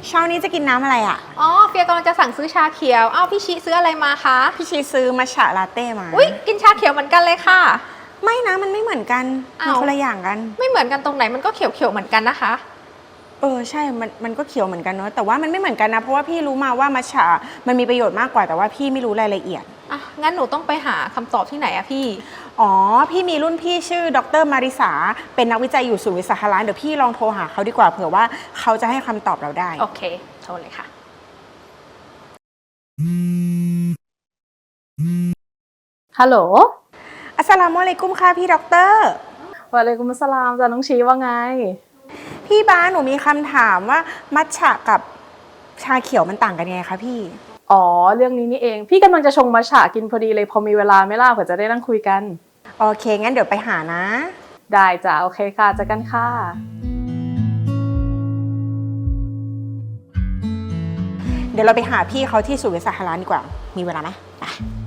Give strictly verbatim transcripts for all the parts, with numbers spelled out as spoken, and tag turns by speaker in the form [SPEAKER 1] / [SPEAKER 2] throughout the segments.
[SPEAKER 1] เช้านี้จะกินน้ำอะไรอ่ะ
[SPEAKER 2] อ๋อเฟียกำลังจะสั่งซื้อชาเขียวอ้าวพี่ชิซื้ออะไรมาคะ
[SPEAKER 1] พี่ชีซื้อมัทฉะลาเต้มา
[SPEAKER 2] อุ๊ยกินชาเขียวเหมือนกันเลยค่ะ
[SPEAKER 1] ไม่นะมันไม่เหมือนกันมันคนละอย่างกัน
[SPEAKER 2] ไม่เหมือนกันตรงไหนมันก็เขียวเขียวเหมือนกันนะคะ
[SPEAKER 1] เออใช่มันมันก็เขียวเหมือนกันเนาะแต่ว่ามันไม่เหมือนกันนะเพราะว่าพี่รู้มาว่ามัทฉะมันมีประโยชน์มากกว่าแต่ว่าพี่ไม่รู้รายละเอียด
[SPEAKER 2] อ่ะงั้นหนูต้องไปหาคำตอบที่ไหนอะพี่
[SPEAKER 1] อ๋อพี่มีรุ่นพี่ชื่อดรมาริสาเป็นนักวิจัยอยู่ศูนย์วิสาหร้านเดี๋ยวพี่ลองโทรหาเขาดีกว่าเผื่อว่าเขาจะให้คำตอบเราได้
[SPEAKER 2] โอเคโทรเลยค่ะ
[SPEAKER 3] ฮัลโหล
[SPEAKER 1] อัสสลามุอะลัยกุมค่ะพี่ด็อกเตอร์
[SPEAKER 3] วะอะลัยกุมุสสลามจ้ะน้องชีว่าไง
[SPEAKER 1] พี่บ้าหนูมีคำถามว่ามัทฉะกับชาเขียวมันต่างกันยังไงคะพี่
[SPEAKER 3] อ๋อเรื่องนี้นี่เองพี่กำลังจะชงมัทฉะกินพอดีเลยพอมีเวลาไหมล่ะเผื่อจะได้นั่งคุยกัน
[SPEAKER 1] โอเคงั้นเดี๋ยวไปหานะ
[SPEAKER 3] ได้จ้ะโอเคค่ะเจอกันค่ะ
[SPEAKER 1] เดี๋ยวเราไปหาพี่เขาที่ศูนย์วิสาหร้านดีกว่ามีเวลาไหมไป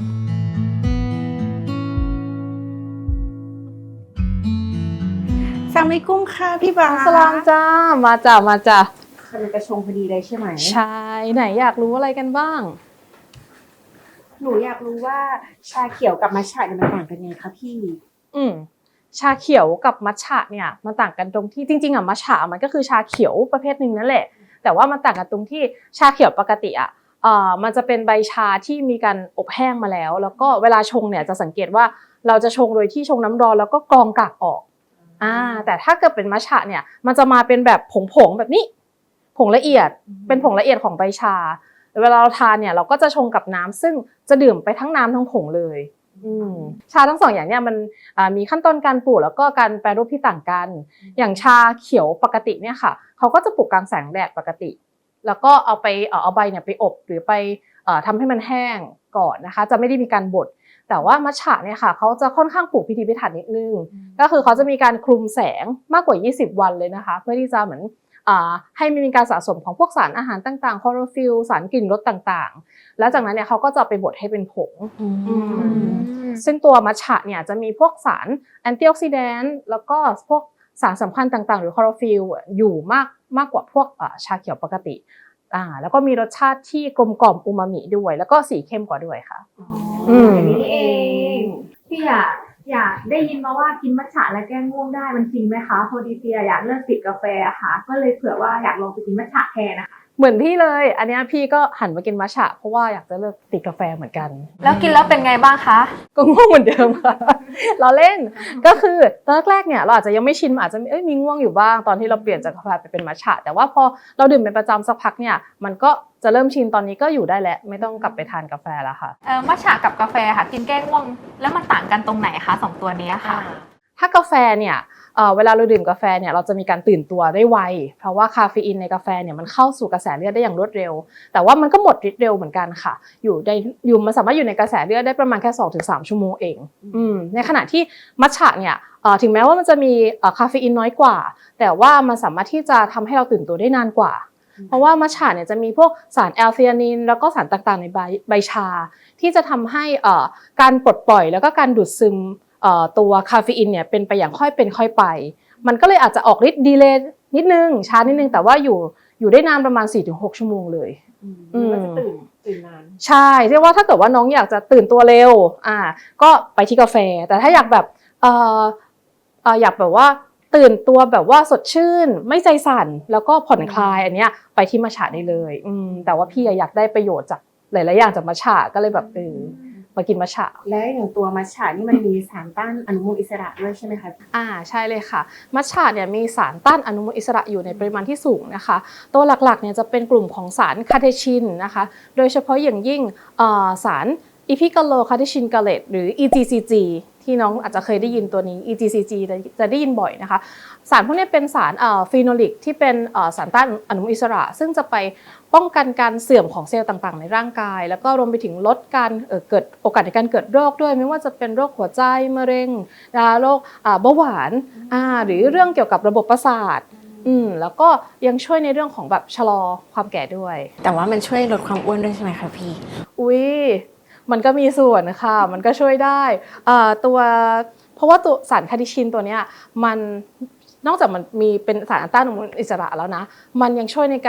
[SPEAKER 1] สลามอะลัยกุมค่ะพี่บ้า
[SPEAKER 3] สลามจ้ามาจ้ะมาจ้ะ
[SPEAKER 1] กำลังจะชงพอดีเลยใช่ไหม
[SPEAKER 3] ใช่ไหนอยากรู้อะไรกันบ้าง
[SPEAKER 1] หนูอยากรู้ว่าชาเขียวกับมัทฉะเนี่ยมันต่างกันยังไงคะพี่
[SPEAKER 3] อืมชาเขียวกับมัทฉะเนี่ยมันต่างกันตรงที่จริงๆอ่ะมัทฉะมันก็คือชาเขียวประเภทหนึ่งนั่นแหละแต่ว่ามันต่างกันตรงที่ชาเขียวปกติอ่ะเอ่อมันจะเป็นใบชาที่มีการอบแห้งมาแล้วแล้วก็เวลาชงเนี่ยจะสังเกตว่าเราจะชงโดยที่ชงน้ำร้อนแล้วก็กรองกากออกอ่าแต่ถ้าเกิดเป็นมัทฉะเนี่ยมันจะมาเป็นแบบผงๆแบบนี้ผงละเอียดเป็นผงละเอียดของใบชาเวลาเราทานเนี่ยเราก็จะชงกับน้ำซึ่งจะดื่มไปทั้งน้ำทั้งผงเลยชาทั้งสองอย่างเนี่ยมันมีขั้นตอนการปลูกแล้วก็การแปรรูปที่ต่างกันอย่างชาเขียวปกติเนี่ยค่ะเขาก็จะปลูกกลางแสงแดดปกติแล้วก็เอาไปเอาใบเนี่ยไปอบหรือไปทำให้มันแห้งก่อนนะคะจะไม่ได้มีการบดแต่ว่ามัทฉะเนี่ยค่ะเขาจะค่อนข้างปลูกพิถีพิถันนิดนึงก็คือเขาจะมีการคลุมแสงมากกว่ายี่สิบวันเลยนะคะเพื่อที่จะเหมือนให้มีการสะสมของพวกสารอาหารต่างๆคลอโรฟิลสารกลิ่นรสต่างๆแล้วจากนั้นเนี่ยเขาก็จะไปบดให้เป็นผงซึ่งตัวมัทฉะเนี่ยจะมีพวกสารแอนตี้ออกซิแดนต์แล้วก็พวกสารสำคัญต่างๆหรือคลอโรฟิลอยู่มากมากกว่าพวกชาเขียวปกติอ่าแล้วก็มีรสชาติที่กลมกล่อมอูมามิด้วยแล้วก็สีเข้มกว่าด้วยค่ะ
[SPEAKER 4] อ๋ออย่างนี้เองพี่อยากอยากได้ยินมาว่ากินมัทฉะแล้วแก้ง่วงได้มันจริงไหมคะพอดีเฟียอยากเลิกติดกาแฟอะค่ะก็เลยเผื่อว่าอยากลองไปกินมัทฉะแทนนะคะ
[SPEAKER 3] เหมือนพี่เลยอันนี้พี่ก็หันมากินมัทฉะเพราะว่าอยากจะเลิกติดกาแฟเหมือนกัน
[SPEAKER 2] แล้วกินแล้วเป็นไงบ้างคะ
[SPEAKER 3] ก็ง่วงเหมือนเดิมค่ะเราเล่นก็คือตอนแรกๆเนี่ยเราอาจจะยังไม่ชินอาจจะเอ้ยมีง่วงอยู่บ้างตอนที่เราเปลี่ยนจากกาแฟไปเป็นมัทฉะแต่ว่าพอเราดื่มเป็นประจำสักพักเนี่ยมันก็จะเริ่มชินตอนนี้ก็อยู่ได้แล้วไม่ต้องกลับไปทานกาแฟแล้วค่ะ
[SPEAKER 2] เออมัทฉะกับกาแฟค่ะกินแก้ง่วงแล้วมันต่างกันตรงไหนคะสองตัวนี้ค่ะ
[SPEAKER 3] ถ้ากาแฟเนี่ยเวลาเราดื่มกาแฟเนี่ยเราจะมีการตื่นตัวได้ไวเพราะว่าคาเฟอีนในกาแฟเนี่ยมันเข้าสู่กระแสเลือดได้อย่างรวดเร็วแต่ว่ามันก็หมดฤทธิ์เร็วเหมือนกันค่ะอยู่ในอยู่มันสามารถอยู่ในกระแสเลือดได้ประมาณแค่ สองถึงสาม ชั่วโมงเองอืมในขณะที่มัทฉะเนี่ยถึงแม้ว่ามันจะมีคาเฟอีนน้อยกว่าแต่ว่ามันสามารถที่จะทำให้เราตื่นตัวได้นานกว่าเพราะว่ามัทฉะเนี่ยจะมีพวกสารแอลธีอานินแล้วก็สารต่างๆในใบใบชาที่จะทำให้การปลดปล่อยแล้วก็การดูดซึมตัวคาเฟอีนเนี่ยเป็นไปอย่างค่อยเป็นค่อยไปมันก็เลยอาจจะออกฤทธิ์ดีเลย์นิดนึงช้านิดนึงแต่ว่าอยู่อยู่ได้นานประมาณ สี่ถึงหก ชั่วโมงเลย
[SPEAKER 1] อืมก็จะตื่นตื่นนาน
[SPEAKER 3] ใช่เรียกว่าถ้าเกิดว่าน้องอยากจะตื่นตัวเร็วอ่าก็ไปที่กาแฟแต่ถ้าอยากแบบเอ่อเอ่ออยากแบบว่าตื่นตัวแบบว่าสดชื่นไม่ใจสั่นแล้วก็ผ่อนคลายอันเนี้ยไปที่มัทฉะได้เลยอืมแต่ว่าพี่อยากได้ประโยชน์จากหลายๆอย่างจากมัทฉะก็เลยแบบเออมากินมัทฉะ
[SPEAKER 1] และอย่างตัวมัทฉะนี่มันมีสารต้านอนุมูลอิสระด้วยใช่ไหมคะ
[SPEAKER 3] อ่าใช่เลยค่ะมัทฉะเนี่ยมีสารต้านอนุมูลอิสระอยู่ในปริมาณที่สูงนะคะตัวหลักๆเนี่ยจะเป็นกลุ่มของสารคาเทชินนะคะโดยเฉพาะอย่างยิ่งสารอีพิกาโลคาเทชินกาเลตหรือ อี จี ซี จี ที่น้องอาจจะเคยได้ยินตัวนี้ อี จี ซี จี จะได้ยินบ่อยนะคะสารพวกนี้เป็นสารฟีโนลิกที่เป็นสารต้านอนุมูลอิสระซึ่งจะไปป้องกันการเสื่อมของเซลล์ต่างๆในร่างกายแล้วก็รวมไปถึงลดการเกิดโอกาสในการเกิดโรคด้วยไม่ว่าจะเป็นโรคหัวใจมะเร็งโรคเบาหวานหรือเรื่องเกี่ยวกับระบบประสาทอืมแล้วก็ยังช่วยในเรื่องของแบบชะลอความแก่ด้วย
[SPEAKER 1] แต่ว่ามันช่วยลดความอ้วนด้วยใช่ไหมคะพี่
[SPEAKER 3] อุ้ยมันก็มีส่วนค่ะมันก็ช่วยได้ตัวเพราะว่าตัวสารคาเทชินตัวเนี้ยมันนอกจากมันมีเป็นสารต้านอนุมูลอิสระแล้วนะมันยังช่วยในการ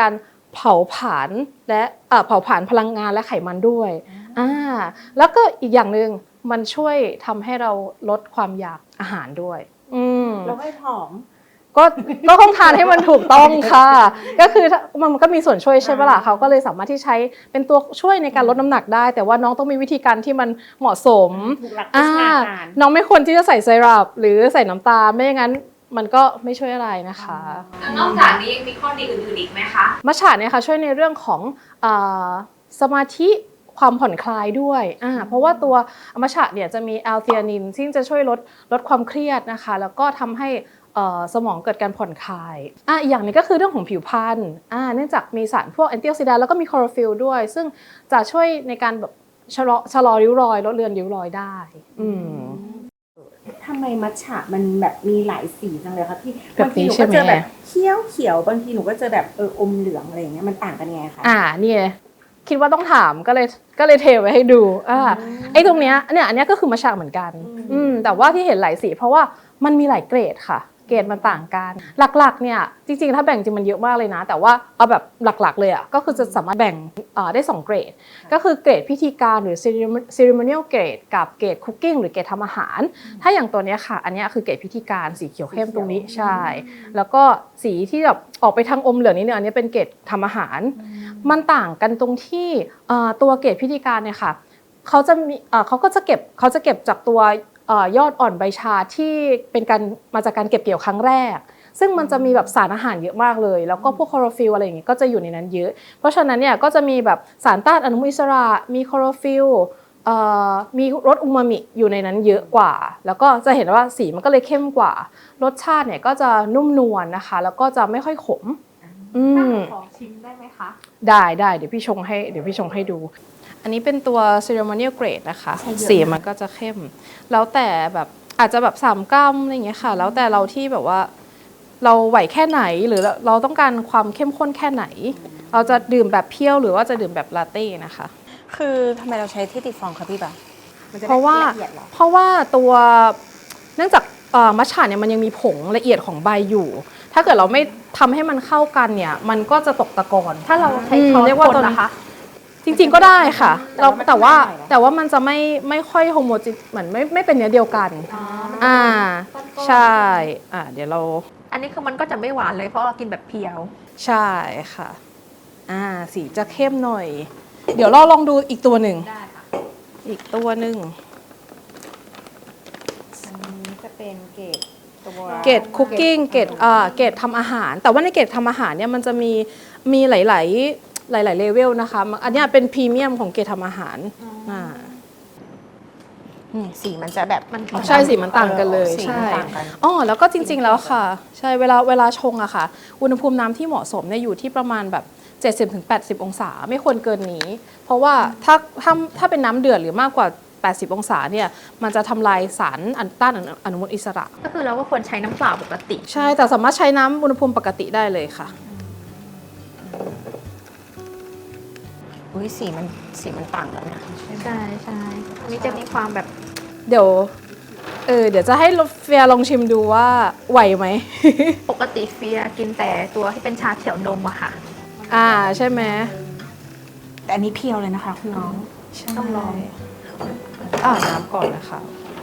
[SPEAKER 3] เผาผลาญและเอ่อเผาผลาญพลังงานและไขมันด้วยอ่าแล้วก็อีกอย่างหนึ่งมันช่วยทำให้เราลดความอยากอาหารด้วยอืม
[SPEAKER 1] เราให้ผอม
[SPEAKER 3] ก็ก็ต้องทานให้มันถูกต้องค่ะ ก็คือถ้ามันก็มีส่วนช่วยใช่ปะล่ะเขาก็เลยสามารถที่ใช้เป็นตัวช่วยในการลดน้ำหนักได้ แต่ว่าน้องต้องมีวิธีการที่มันเหมาะสม
[SPEAKER 1] ถูกหลักโภ
[SPEAKER 3] อ่า
[SPEAKER 1] ชนาการ
[SPEAKER 3] น้องไม่ควรที่จะใส่ไซรัปหรือใส่น้ำตาลไม่อย่างนั้นมันก็ไม่ช่วยอะไรนะคะ
[SPEAKER 2] นอกจากนี้ยังมีข้อดีอื่นๆอีกไหมคะ
[SPEAKER 3] มัทฉะเนี่ยค่ะช่วยในเรื่องของอาสมาธิความผ่อนคลายด้วยอ่าเพราะว่าตัวมัทฉะเนี่ยจะมีแอลธีอานินซึ่งจะช่วยลดลดความเครียดนะคะแล้วก็ทำให้เอ่อสมองเกิดการผ่อนคลายอ่ะอีกอย่างหนึงก็คือเรื่องของผิวพรรณอ่าเนื่องจากมีสารพวกแอนตี้ออกซิแดนต์แล้วก็มีคลอโรฟิลล์ด้วย ซึ่งจะช่วยในการแบบชะลอชะลอริ้วรอยลดเลือนริ้วรอยได้อืม
[SPEAKER 1] ทำไมมัทฉะมันแบบมีหลายสีจังเลยคะพี่
[SPEAKER 3] แบบ
[SPEAKER 1] บางที
[SPEAKER 3] นี้
[SPEAKER 1] หนู
[SPEAKER 3] ใช่
[SPEAKER 1] ก็
[SPEAKER 3] ไหม
[SPEAKER 1] เจอแบบเขียวเขียวบางทีหนูก็เจอแบบเอออมเหลืองอะไรอย่างเงี้ยมันต่างกันยังไงคะ
[SPEAKER 3] อ่านี่ไงคิดว่าต้องถามก็เลยก็เลยเทไว้ให้ดูอ่าไอ้ตรงเนี้ยเนี่ยอันเนี้ยก็คือมัทฉะเหมือนกันอืมแต่ว่าที่เห็นหลายสีเพราะว่ามันมีหลายเกรดค่ะเกรดมันต่างกันหลักๆเนี่ยจริงๆถ้าแบ่งจริงมันเยอะมากเลยนะแต่ว่าเอาแบบหลักๆเลยอ่ะก็คือจะสามารถแบ่งอ่าได้สองเกรดก็คือเกรดพิธีการหรือ ceremonial grade กับเกรด cooking หรือเกรดทำอาหารถ้าอย่างตัวเนี้ยค่ะอันเนี้ยคือเกรดพิธีการสีเขียวเข้มตรงนี้ใช่แล้วก็สีที่แบบออกไปทางอมเหลืองนิดนึงอันนี้เป็นเกรดทำอาหารมันต่างกันตรงที่เอ่อตัวเกรดพิธีการเนี่ยค่ะเขาจะมีเอ่อเขาก็จะเก็บเขาจะเก็บจากตัวเอ่อยอดอ่อนใบชาที่เป็นการมาจากการเก็บเกี่ยวครั้งแรกซึ่งมันจะมีแบบสารอาหารเยอะมากเลยแล้วก็พวกคลอโรฟิลอะไรอย่างเงี้ยก็จะอยู่ในนั้นเยอะเพราะฉะนั้นเนี่ยก็จะมีแบบสารต้านอนุมูลอิสระมีคลอโรฟิลเอ่อมีรสอูมามิอยู่ในนั้นเยอะกว่าแล้วก็จะเห็นว่าสีมันก็เลยเข้มกว่ารสชาติเนี่ยก็จะนุ่มนวลนะคะแล้วก็จะไม่ค่อยขมอืม
[SPEAKER 2] ขอชิมได้ไหมคะ
[SPEAKER 3] ได้ได้เดี๋ยวพี่ชงให้เดี๋ยวพี่ชงให้ดู อันนี้เป็นตัว ceremonial grade นะคะสีมันก็จะเข้ม แล้วแต่แบบอาจจะแบบสามกรัมอะไรอย่างเงี้ยค่ะ แล้วแต่เราที่แบบว่าเราไหวแค่ไหนหรือเราต้องการความเข้มข้นแค่ไหน เราจะดื่มแบบเพี้ยวหรือว่าจะดื่มแบบลาเต้นะคะ
[SPEAKER 1] คือทำไมเราใช้ที่ติดฟองคะพี่บ่ามันจะได้
[SPEAKER 3] เพราะว่า
[SPEAKER 1] ละเอียดเหรอ
[SPEAKER 3] เพราะว่าตัวเนื่องจากเอ่อมัทฉะเนี่ยมันยังมีผงละเอียดของใบอยู่ ถ้าเกิดเราไม่ทำให้มันเข้ากันเนี่ยมันก็จะตกตะกอน
[SPEAKER 2] ถ้าเราใช้
[SPEAKER 3] อืม
[SPEAKER 2] ช้อน
[SPEAKER 3] เรียกว่า
[SPEAKER 2] คน
[SPEAKER 3] ตัว
[SPEAKER 2] นะคะ
[SPEAKER 3] จริงๆก็ได้ค่ะเรา
[SPEAKER 1] แต่
[SPEAKER 3] แต่
[SPEAKER 1] ว่า
[SPEAKER 3] ว่า
[SPEAKER 1] มันจะไม่ได้เหรอ
[SPEAKER 3] แต่ว่ามันจะไม่ไม่ค่อยโฮโมจิเหมือนไม่ไม่เป็นเนื้อเดียวกัน อ่า
[SPEAKER 2] ก้อนๆ
[SPEAKER 3] ใช่อ่าเดี๋ยวเรา
[SPEAKER 2] อันนี้คือมันก็จะไม่หวานเลยเพราะเรากินแบบเพียว
[SPEAKER 3] ใช่ค่ะอ่าสีจะเข้มหน่อย เดี๋ยวเราลองดูอีกตัวหนึ่ง
[SPEAKER 2] ได้ค่ะ
[SPEAKER 3] อีกตัวหนึ่ง
[SPEAKER 1] อันนี้จะเป็นเกรดตัว
[SPEAKER 3] เกรดคุกกิ้งเกรดอ่าเกรดทำอาหาร แต่ว่าในเกรดทำอาหารเนี่ยมันจะมีมีหลาย ๆ หลาย ๆ เลเวลนะคะอันเนี้ยเป็นพรีเมียมของเกรดทำอาหารอ่า
[SPEAKER 1] นี่สีมันจะแบบ
[SPEAKER 2] มัน
[SPEAKER 3] ใช่สีมันต่างกันเลย
[SPEAKER 1] สี
[SPEAKER 3] ใช่
[SPEAKER 1] มันต่างกัน
[SPEAKER 3] อ๋อแล้วก็จริง ๆ แล้วค่ะ ใช่เวลาเวลาชงอะค่ะ อุณหภูมิน้ำที่เหมาะสมเนี่ยอยู่ที่ประมาณแบบ เจ็ดสิบถึงแปดสิบ องศาไม่ควรเกินนี้ เพราะว่าถ้าถ้าถ้าเป็นน้ำเดือดหรือมากกว่า แปดสิบ องศาเนี่ยมันจะทำลายสารอันต้านอนุมูลอิสระ
[SPEAKER 2] ก็คือเราก็ควรใช้น้ำเปล่าปกติ
[SPEAKER 3] ใช่แต่สามารถใช้น้ำอุณหภูมิปกติได้เลยค่ะ
[SPEAKER 1] อุ้ยสีมันสีมันต่างกันนะ
[SPEAKER 2] ใช่ใช่อันนี้จะมีความแบบ
[SPEAKER 3] เดี๋ยวเออเดี๋ยวจะให้เฟียลองชิมดูว่าไหวไหม
[SPEAKER 2] ปกติเฟียกินแต่ตัวที่เป็นชาเขียวนมอะค่ะ
[SPEAKER 3] อ่าใช่ไหม
[SPEAKER 1] แต่อันนี้เพียวเลยนะคะคุณน้อง
[SPEAKER 2] ต้องลอง
[SPEAKER 3] อ่าน้ำก่อนนะคะ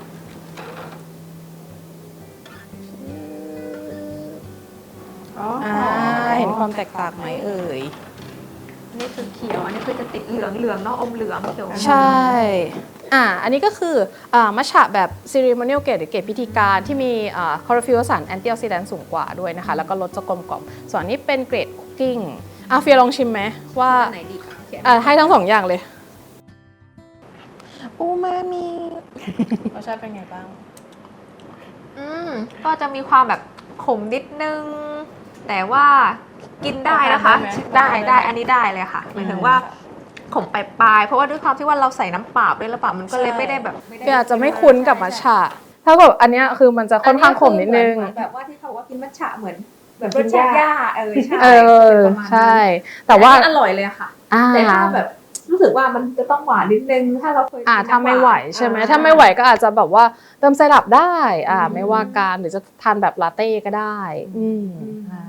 [SPEAKER 1] อ๋อ
[SPEAKER 3] อ่าเห็นความแตกต่างไหมเอ่ย
[SPEAKER 2] อันนี้คือเขียว อันนี้คือจะติดเหลืองเหลืองเนาะอมเหลืองเขียว
[SPEAKER 3] ใช่ อ่า อันนี้ก็คืออ่ามัทฉะแบบ ceremonial grade หรือเกรดพิธีการที่มีอ่าคลอโรฟิลสารแอนตี้ออกซิแดนต์สูงกว่าด้วยนะคะ แล้วก็รสจะกลมกล่อม ส่วนอันนี้เป็นเกรดคุกกิ้งอ่ะเฟียลองชิมไหมว่า
[SPEAKER 2] อันไหนดีเขียน
[SPEAKER 3] อ่าให้ทั้งสองอย่างเลย
[SPEAKER 1] อูมามิ
[SPEAKER 3] รสชาติเป็นไงบ้าง
[SPEAKER 2] อืมก็จะมีความแบบขมนิดนึง แต่ว่ากินได้นะคะ ได้ได้อันนี้ได้เลยค่ะหมายถึงว่าขมปลายๆเพราะว่าด้วยความที่ว่าเราใส่น้ำเปล่าด้วยหรือเปล่ามันก็เลยไม่ได้แบบ
[SPEAKER 3] เฟียอาจจะไม่คุ้นกับมัทฉะถ้าแบบอันเนี้ยคือมันจะค่อนข้างขมนิดนึง
[SPEAKER 4] แบบว่าที่เขาว่ากินมัทฉะเหมือนแบบรสชาติหญ้าเออใช่
[SPEAKER 3] เออ
[SPEAKER 4] ประมาณนั้น
[SPEAKER 3] ใช่ แต่ว่า
[SPEAKER 4] อันนี้อร่อยเลยอะค่ะ
[SPEAKER 3] อ่า
[SPEAKER 4] แต่ถ้าแบบรู้สึกว่ามันจะต้องหวานนิดนึงถ้าเราเคยกิน
[SPEAKER 3] อ่าถ้าไม่ไหวใช่ไหม
[SPEAKER 4] อ่
[SPEAKER 3] ถ้าไม่ไหวก็อาจจะแบบว่าเติมไซรัปได้ อ่า ไม่ว่ากันหรือจะทานแบบลาเต้ก็ได้ อืมใช่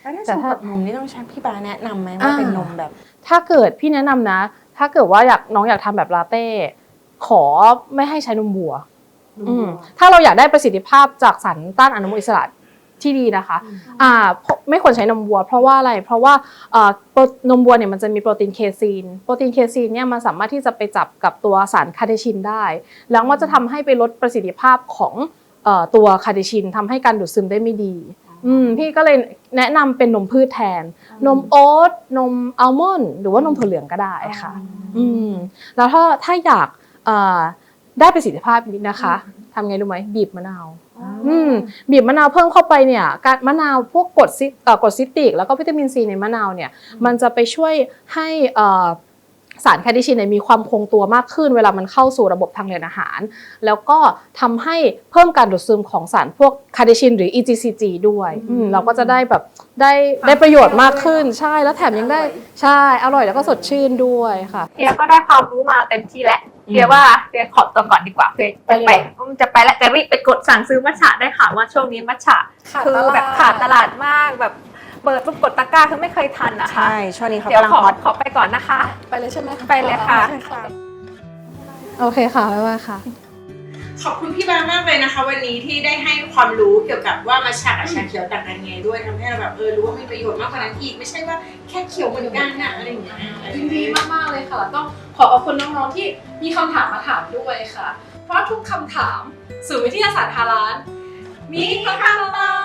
[SPEAKER 1] แล้วถ้า
[SPEAKER 3] แต่
[SPEAKER 1] ชง
[SPEAKER 3] ถ้า
[SPEAKER 1] กับนมนี่ต้องใช้พี่บาแนะนำไหมว่าเป็นนมแบบ
[SPEAKER 3] ถ้าเกิดพี่แนะนำนะ ถ้าเกิดว่าอยากน้องอยากทำแบบลาเต้ขอไม่ให้ใช้นมวัว อืมถ้าเราอยากได้ประสิทธิภาพจากสารต้านอนุมูลอิสระที่ดีนะคะอ่าไม่ควรใช้นมวัวเพราะว่าอะไรเพราะว่าอ่านมวัวเนี่ยมันจะมีโปรตีนเคซีนโปรตีนเคซีนเนี่ยมันสามารถที่จะไปจับกับตัวสารคาเทชินได้แล้วมันจะทำให้ไปลดประสิทธิภาพของเอ่อตัวคาเทชินทำให้การดูดซึมได้ไม่ดีอืมพี่ก็เลยแนะนำเป็นนมพืชแทนนมโอ๊ตนมอัลมอนด์หรือว่านมถั่วเหลืองก็ได้ค่ะอืมแล้วถ้าถ้าอยากเอ่อได้ประสิทธิภาพนี้นะคะทำไงรู้ไหมบีบมะนาวอืมบีบมะนาวเพิ่มเข้าไปเนี่ยการมะนาวพวกกรดซิเอ่อกรดซิตริกแล้วก็วิตามินซีในมะนาวเนี่ยมันจะไปช่วยให้เอ่อสารคาเทชินเนี่ยมีความคงตัวมากขึ้นเวลามันเข้าสู่ระบบทางเดินอาหารแล้วก็ทำให้เพิ่มการดูดซึมของสารพวกคาเทชินหรือ อี จี ซี จี ด้วยอืมเราก็จะได้แบบได้ได้ประโยชน์มากขึ้นใช่แล้วแถมยังได้ใช่อร่อยแล้วก็สดชื่นด้วยค่ะ
[SPEAKER 2] เดียก็ได้ความรู้มาเต็มที่แล้วเดียว่าเดียขอตัวก่อนดีกว่าเดียจะไปจะไปแล้วจะรีบไปกดสั่งซื้อมัทฉะได้ค่ะว่าช่วงนี้มัทฉะคือแบบขาดตลาดมากแบบเปิดปุ๊บกดตะกร้าคือไม่เคยทันนะคะ
[SPEAKER 1] ใช่ช่วงนี้เขา
[SPEAKER 2] เดี๋ยว
[SPEAKER 1] กำลัง
[SPEAKER 2] ขอ
[SPEAKER 1] ฮอต
[SPEAKER 2] ขอไปก่อนนะคะ
[SPEAKER 3] ไปเลยใช่ไหม
[SPEAKER 2] ไปเลยค่ะ
[SPEAKER 3] โอเคค่ะบ๊ายบายค่ะ
[SPEAKER 1] ขอบคุณพี่บามากเลยนะคะ วันนี้ที่ได้ให้ความรู้เกี่ยวกับว่ามัทฉะกับชาเขียวต่างกันยังไงด้วยทำให้เราแบบเออรู้ว่ามีประโยชน์มากกว่านั้นอีกไม่ใช่ว่าแค่เขียวเหมือนกันนะอะไรอย่างเงี้ย
[SPEAKER 3] ยินดีมากๆเลยค่ะแล้วต้องขอขอบคุณน้องๆที่มีคำถามมาถามด้วยค่ะ เพราะทุกคำถามสู่วิทยาศาสตร์ฮาลาลมีคำตอบ